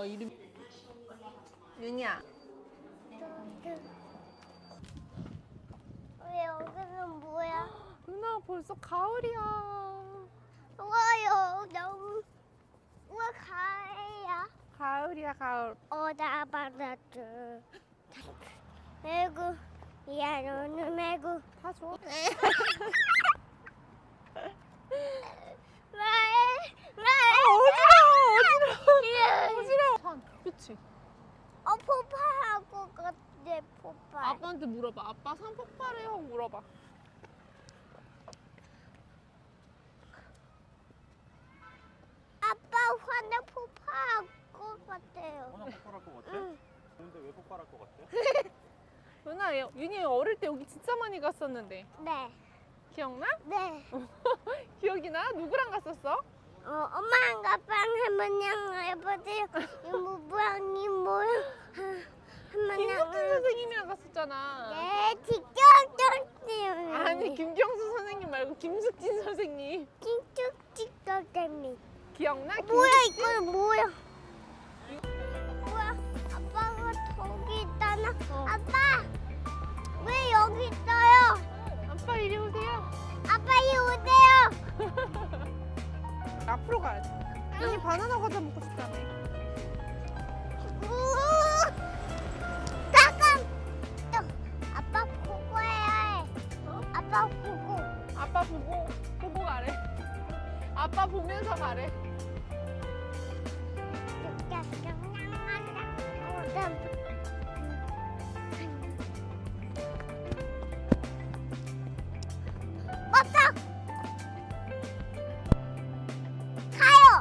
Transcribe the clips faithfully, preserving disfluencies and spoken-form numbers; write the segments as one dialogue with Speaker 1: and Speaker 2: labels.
Speaker 1: 이름. 윤이야.
Speaker 2: 왜 여기는 뭐야?
Speaker 1: 윤아 벌써 가을이야.
Speaker 2: 우와요 너무 우와 가을이야.
Speaker 1: 가을이야 가을.
Speaker 2: 오다 받았죠. 매구 야 너는 매구.
Speaker 1: 다 줘.
Speaker 2: 왜? 왜?
Speaker 1: 어지러워 어지러워. 어지러워. 산. 그치?
Speaker 2: 어 폭발할 것 같아 폭발.
Speaker 1: 아빠한테 물어봐. 아빠 산 폭발해요 물어봐.
Speaker 2: 아빠 화내 폭발할 것 같아요.
Speaker 3: 워낙 폭발할 것 같아?
Speaker 2: 응.
Speaker 3: 근데 왜 폭발할 것 같아?
Speaker 1: 윤아 윤이 어릴 때 여기 진짜 많이 갔었는데
Speaker 2: 네.
Speaker 1: 기억나?
Speaker 2: 네.
Speaker 1: 기억이 나? 누구랑 갔었어?
Speaker 2: 어, 엄마랑 아빠랑 할머니랑 할아버지 이모부랑 이모랑
Speaker 1: 김석진
Speaker 2: 할머니랑
Speaker 1: 선생님이랑 갔었잖아.
Speaker 2: 네 직접 떴어요.
Speaker 1: 아니 김경수 선생님 말고 김숙진 선생님.
Speaker 2: 직접 직접 때문에.
Speaker 1: 기억나?
Speaker 2: 뭐야
Speaker 1: 김숙진?
Speaker 2: 이거 뭐야? 뭐야? 아빠가 저기 있잖아.
Speaker 1: 어.
Speaker 2: 아빠 왜 여기 있어요?
Speaker 1: 아빠 이리 오세요.
Speaker 2: 아빠 이 오세요.
Speaker 1: 앞으로 가야 돼. 윤이 바나나 과자 먹고 싶다며.
Speaker 2: 우 잠깐. 또 아빠 보고 해야 해.
Speaker 1: 어?
Speaker 2: 아빠 보고.
Speaker 1: 아빠 보고 보고 가래. 아빠 보면서 가래.
Speaker 2: 맞다. 가요.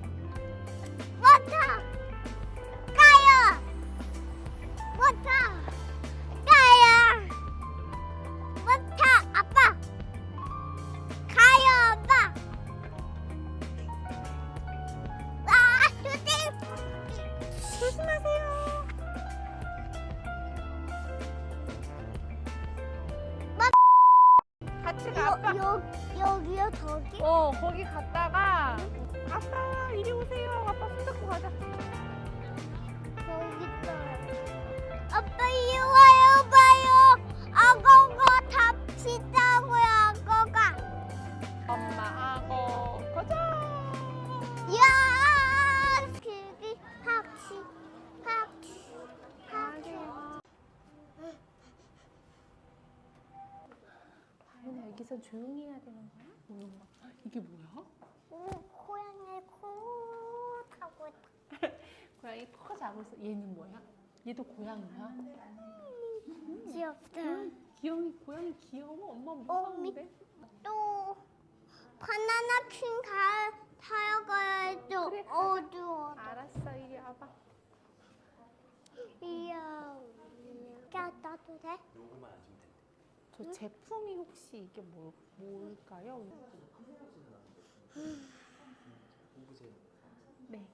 Speaker 2: 맞다. 가요. 맞다. 가요. 맞다. 아빠. 가요, 아빠. 아, 조심.
Speaker 1: 조심하세요. 같이 가. 아빠.
Speaker 2: 여, 여기요, 저기?
Speaker 1: 어 거기 갔다가 아빠 이리 오세요. 아빠 손잡고 가자.
Speaker 2: 저기 있어요. 아빠 이리 와요, 봐요. 악어가 잡히자고요, 악어가.
Speaker 1: 엄마 악어 가자.
Speaker 2: 야! 그기 학시, 학시, 학시.
Speaker 1: 다현아 여기서 조용히 해야 되는 거야? 뭐야? 이게 뭐야?
Speaker 2: 오, 고양이 코 타고 있다.
Speaker 1: 고양이 코가 자고 있어. 얘는 뭐야? 얘도 고양이야?
Speaker 2: 귀엽다.
Speaker 1: 귀여이 고양이 귀여워? 엄마
Speaker 2: 어,
Speaker 1: 무서운데?
Speaker 2: 또 바나나 퀸 가, 타러 가야죠.
Speaker 1: 그래, 가자.
Speaker 2: 어두워.
Speaker 1: 알았어 이리 와봐.
Speaker 2: 이야. 야, 나도 돼?
Speaker 3: 요거만 안 주면 된대.
Speaker 1: 저 제품이 혹시 이게 뭐, 뭘까요?
Speaker 3: 보세요.
Speaker 1: 네.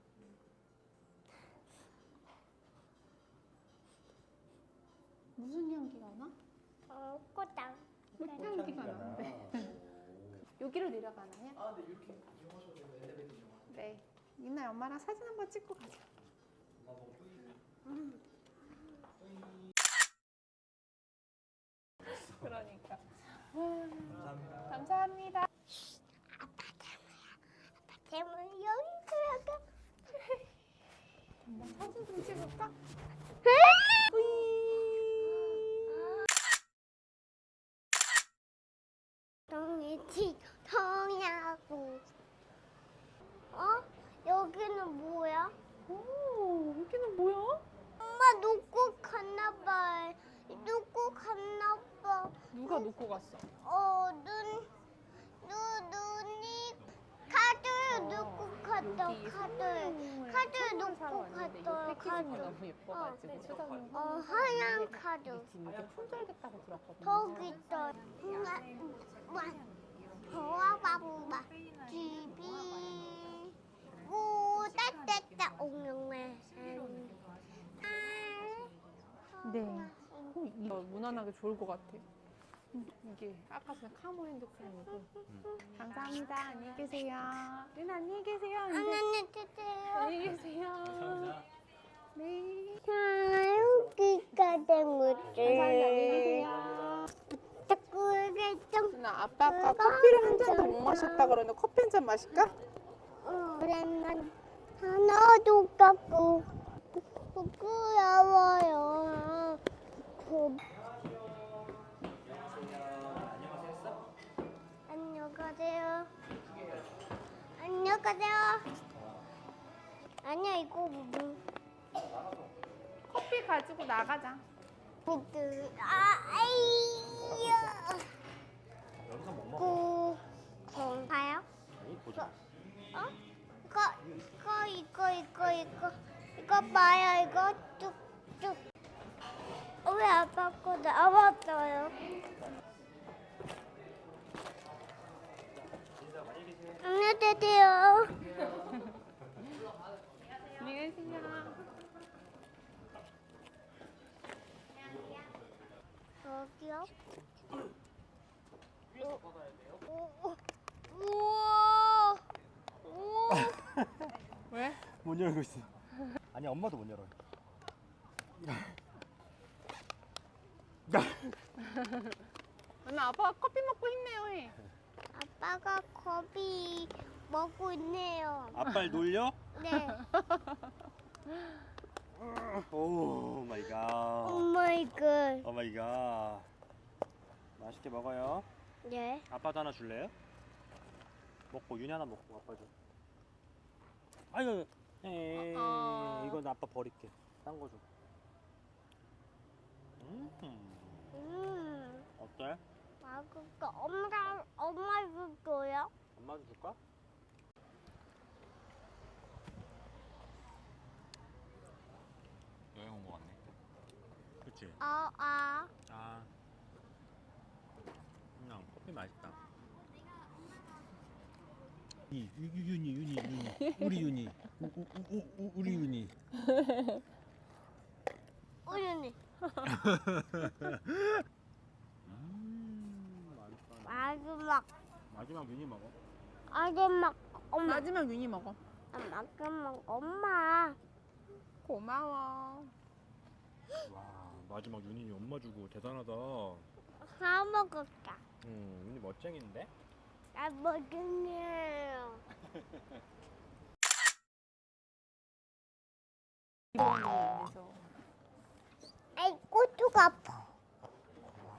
Speaker 1: 무슨 향기가 나?
Speaker 2: 어, 꽃당.
Speaker 1: 꽃향기가 나는데. 여기로 내려가나요?
Speaker 3: 아, 네, 이렇게 이용하셔도 돼요. 엘리베이터 이용하셔도.
Speaker 1: 네. 이나 엄마랑 사진 한번 찍고 가자. 그러니까.
Speaker 3: 감사합니다.
Speaker 1: 감사합니다.
Speaker 2: 아빠 때문이야. 아빠 때문에 여기 들어가.
Speaker 1: 엄마 사진 좀 찍을까?
Speaker 2: 동이치 통야구. 어? 여기는 뭐야?
Speaker 1: 오, 여기는 뭐야?
Speaker 2: 엄마 놓고 갔나 봐. 놓고 갔나 봐.
Speaker 1: 누가 놓고 갔어?
Speaker 2: 어, 눈, 눈, 눈이 카드 놓고 갔다.
Speaker 1: 여기
Speaker 2: 카드.
Speaker 1: 선물,
Speaker 2: 카드
Speaker 1: 선물
Speaker 2: 놓고
Speaker 1: 사러 왔는데
Speaker 2: 갔다.
Speaker 1: 이 패키지가
Speaker 2: 카드.
Speaker 1: 너무 예뻐가지고 초등학교
Speaker 2: 어, 하얀 카드.
Speaker 1: 우리 지금 이게 품절됐다고 들었거든요.
Speaker 2: 저기 있어. 보아봐봐. 집이 오 따뜻따 옹룡맨.
Speaker 1: 네. 어, 이거 무난하게 좋을 것 같아. 이게 아까 전에 카모 핸드크림이고. 감사합니다. 안녕히 계세요. 윤아 안녕히 계세요.
Speaker 2: 안녕히 계세요.
Speaker 1: 안녕히 계세요.
Speaker 3: 감사합니다.
Speaker 1: 네.
Speaker 2: 자, 여기가 된
Speaker 1: 감사합니다. 안녕히
Speaker 2: 거지.
Speaker 1: 계세요.
Speaker 2: 자꾸 이게 좀
Speaker 1: 누나 아빠가 커피를 한 잔도 못 마셨다 그러는데 커피 한 잔 마실까?
Speaker 2: 오랜만 하나도 깎고 부끄러워요. 그,
Speaker 3: 안녕하세요. 했어?
Speaker 2: 안녕하세요. 안녕하세요. 아니야 이거 뭐?
Speaker 1: 커피 가지고 나가자.
Speaker 2: 그, 아, 아이야.
Speaker 3: 여기서 뭐 먹어?
Speaker 2: 그, 건가요?
Speaker 3: 아니 보자.
Speaker 2: 어? 이거, 이거, 이거, 이거, 이거, 이거 봐요. 이거 쭉쭉. 어, 왜 아빠 거 나왔어요? 안녕히 계세요.
Speaker 1: 안녕히 계세요.
Speaker 2: 여기요? 오, 오, 우와. 우와.
Speaker 1: 왜?
Speaker 3: 못 열고 있어. 아니 엄마도 못 열어.
Speaker 1: 누나 아빠가 커피 먹고 힘내요 해.
Speaker 2: 아빠가 겁이 먹고 있네요.
Speaker 3: 아빠를 놀려?
Speaker 2: 네.
Speaker 3: 오 마이
Speaker 2: 오
Speaker 3: 갓.
Speaker 2: 마이 갓.
Speaker 3: 오 마이 갓. 맛있게 먹어요.
Speaker 2: 네.
Speaker 3: 아빠도 하나 줄래요? 먹고 윤이 하나 먹고 아빠 줘. 아이고. 에이,
Speaker 1: 어.
Speaker 3: 이건 아빠 버릴게. 딴 거 줘. 음.
Speaker 2: 음.
Speaker 3: 어때?
Speaker 2: 아, 그거 엄마 엄마 줄 거요?
Speaker 3: 엄마도 줄까? 여행 온 거 같네. 그치?
Speaker 2: 아, 아.
Speaker 3: 아. 그냥 커피 맛있다.
Speaker 4: 이 유- 유- 윤이 윤이 윤이 우리 윤이 우, 우, 우, 우, 우리 윤이
Speaker 2: 우연히
Speaker 3: 음, 맛있다.
Speaker 2: 마지막
Speaker 3: 마지막 윤이 먹어.
Speaker 2: 마지막 엄마
Speaker 1: 마지막 윤이 먹어.
Speaker 2: 마지막 엄마
Speaker 1: 고마워.
Speaker 3: 와, 마지막 윤이 엄마 주고 대단하다.
Speaker 2: 다 먹었다.
Speaker 3: 음, 윤이 멋쟁인데?
Speaker 2: 나 먹을게요.
Speaker 1: 이번에 그래서
Speaker 2: 아이 꼬투가 아파.